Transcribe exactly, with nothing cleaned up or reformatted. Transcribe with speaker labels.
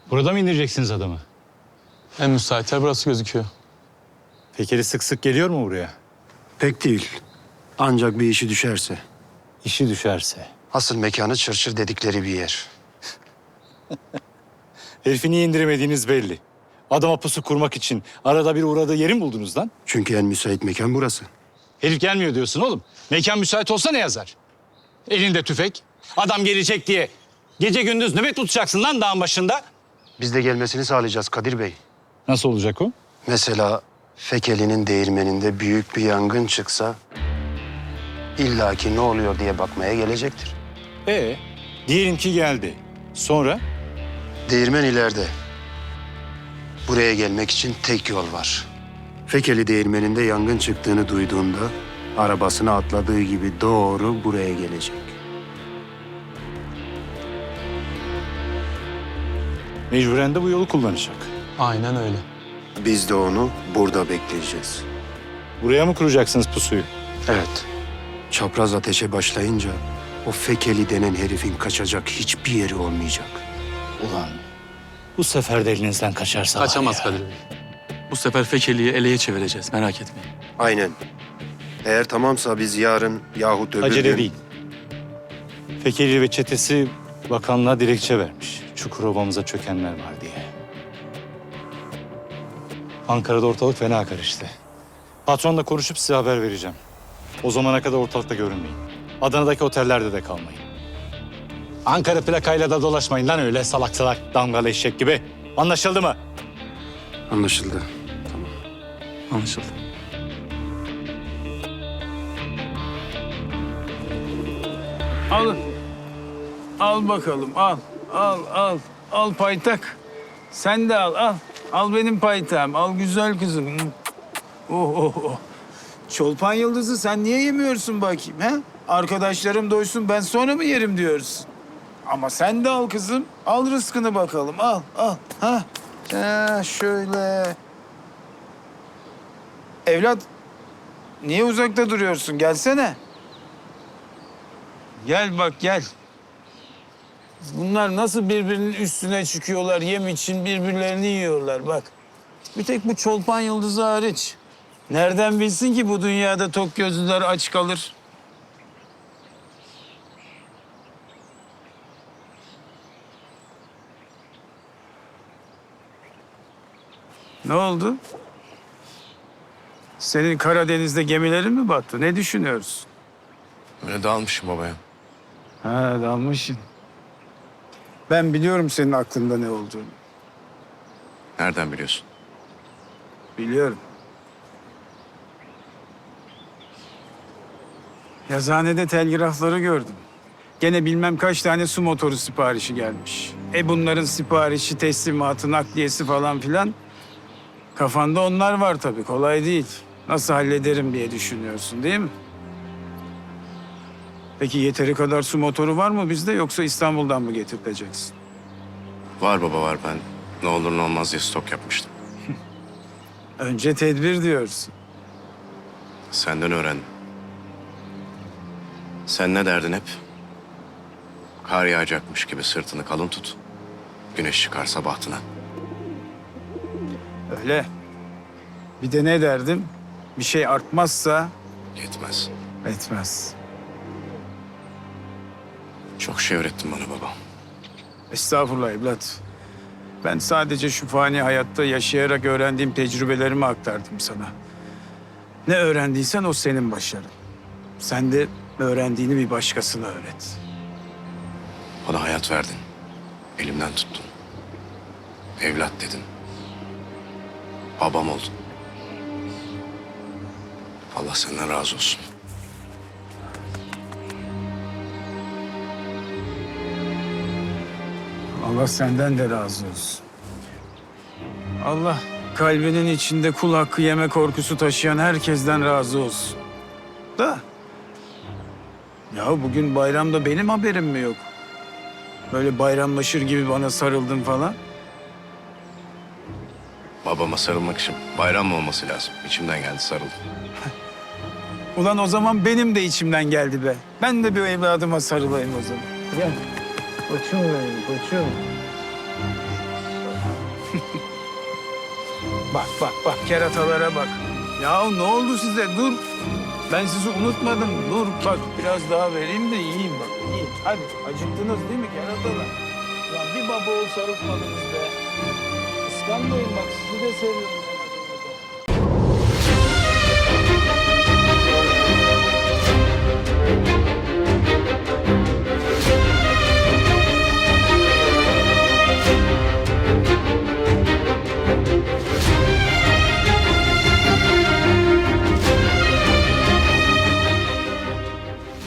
Speaker 1: Burada mı indireceksiniz adamı?
Speaker 2: En müsait yer burası gözüküyor.
Speaker 1: Fekeli sık sık geliyor mu buraya?
Speaker 3: Pek değil. Ancak bir işi düşerse.
Speaker 1: İşi düşerse.
Speaker 3: Asıl mekanı çırçır dedikleri bir yer.
Speaker 1: Herifi niye indiremediğiniz belli. Adama pusu kurmak için arada bir uğradığı yeri mi buldunuz lan?
Speaker 3: Çünkü en müsait mekan burası.
Speaker 1: Herif gelmiyor diyorsun oğlum. Mekan müsait olsa ne yazar? Elinde tüfek. Adam gelecek diye gece gündüz nöbet tutacaksın lan dağın başında.
Speaker 3: Biz de gelmesini sağlayacağız Kadir Bey.
Speaker 1: Nasıl olacak o?
Speaker 3: Mesela Fekeli'nin değirmeninde büyük bir yangın çıksa... illaki ne oluyor diye bakmaya gelecektir.
Speaker 1: Ee, diyelim ki geldi. Sonra?
Speaker 3: Değirmen ileride. Buraya gelmek için tek yol var. Fekeli değirmeninde yangın çıktığını duyduğunda... arabasına atladığı gibi doğru buraya gelecek.
Speaker 1: Mecburen de bu yolu kullanacak.
Speaker 2: Aynen öyle.
Speaker 3: Biz de onu burada bekleyeceğiz.
Speaker 1: Buraya mı kuracaksınız pusuyu?
Speaker 3: Evet. Çapraz ateşe başlayınca o Fekeli denen herifin kaçacak hiçbir yeri olmayacak.
Speaker 1: Ulan bu sefer de elinizden kaçarsa
Speaker 2: Kaçamaz
Speaker 1: var ya.
Speaker 2: Kadir Bey. Bu sefer Fekeli'yi eleye çevireceğiz, merak etmeyin.
Speaker 3: Aynen. Eğer tamamsa biz yarın yahut öbür
Speaker 1: Acele
Speaker 3: gün...
Speaker 1: değil. Fekeli ve çetesi bakanlığa dilekçe vermiş. Çukurova'mıza çökenler var diye. Ankara'da ortalık fena karıştı. Patronla konuşup size haber vereceğim. O zamana kadar ortalıkta görünmeyin. Adana'daki otellerde de kalmayın. Ankara plakayla da dolaşmayın lan öyle salak salak damgalı eşek gibi. Anlaşıldı mı?
Speaker 3: Anlaşıldı. Tamam.
Speaker 2: Anlaşıldı.
Speaker 4: Al. Al bakalım al. Al al. Al paytak. Sen de al al. Al benim paytağım. Al güzel kızım. Oh oh oh. Çolpan yıldızı sen niye yemiyorsun bakayım ha? Arkadaşlarım doysun ben sonra mı yerim diyorsun. Ama sen de al kızım. Al rızkını bakalım. Al al. Ha. Ha şöyle. Evlat niye uzakta duruyorsun? Gelsene. Gel bak gel. Bunlar nasıl birbirinin üstüne çıkıyorlar yem için birbirlerini yiyorlar bak. Bir tek bu çolpan yıldızı hariç. Nereden bilsin ki bu dünyada tok gözlüler aç kalır? Ne oldu? Senin Karadeniz'de gemilerin mi battı? Ne düşünüyorsun?
Speaker 5: Öyle dalmışım babaya.
Speaker 4: Ha dalmışsın. Ben biliyorum senin aklında ne olduğunu.
Speaker 5: Nereden biliyorsun?
Speaker 4: Biliyorum. Yazıhanede telgrafları gördüm. Gene bilmem kaç tane su motoru siparişi gelmiş. E bunların siparişi, teslimatı, nakliyesi falan filan. Kafanda onlar var tabii. Kolay değil. Nasıl hallederim diye düşünüyorsun değil mi? Peki yeteri kadar su motoru var mı bizde yoksa İstanbul'dan mı getireceksin?
Speaker 5: Var baba var, ben ne olur ne olmaz diye stok yapmıştım.
Speaker 4: Önce tedbir diyorsun.
Speaker 5: Senden öğrendim. Sen ne derdin hep? Kar yağacakmış gibi sırtını kalın tut. Güneş çıkarsa bahtına.
Speaker 4: Öyle. Bir de ne derdim? Bir şey artmazsa
Speaker 5: Yetmez.
Speaker 4: etmez.
Speaker 5: Çok şey öğrettin bana baba.
Speaker 4: Estağfurullah evlat. Ben sadece şu fani hayatta yaşayarak öğrendiğim tecrübelerimi aktardım sana. Ne öğrendiysen o senin başarın. Sen de öğrendiğini bir başkasına öğret.
Speaker 5: Bana hayat verdin. Elimden tuttun. Evlat dedin. Babam oldun. Allah senden razı olsun.
Speaker 4: Allah senden de razı olsun. Allah kalbinin içinde kul hakkı yeme korkusu taşıyan herkesten razı olsun. Da. Ya bugün bayramda benim haberim mi yok? Böyle bayramlaşır gibi bana sarıldın falan.
Speaker 5: Babama sarılmak için bayram mı olması lazım? İçimden geldi, sarıldım.
Speaker 4: Ulan o zaman benim de içimden geldi be. Ben de bir evladıma sarılayım o zaman. Gel. Koçum benim, koçum. Bak bak bak keratalara bak. Ya ne oldu size? Dur. Ben sizi unutmadım. Dur bak biraz daha vereyim de yiyeyim bak. Yiyin. Hadi acıktınız değil mi keratalar? Lan bir baba ol sarıltmadınız be. Kıskanmayın bak sizi de seviyorum.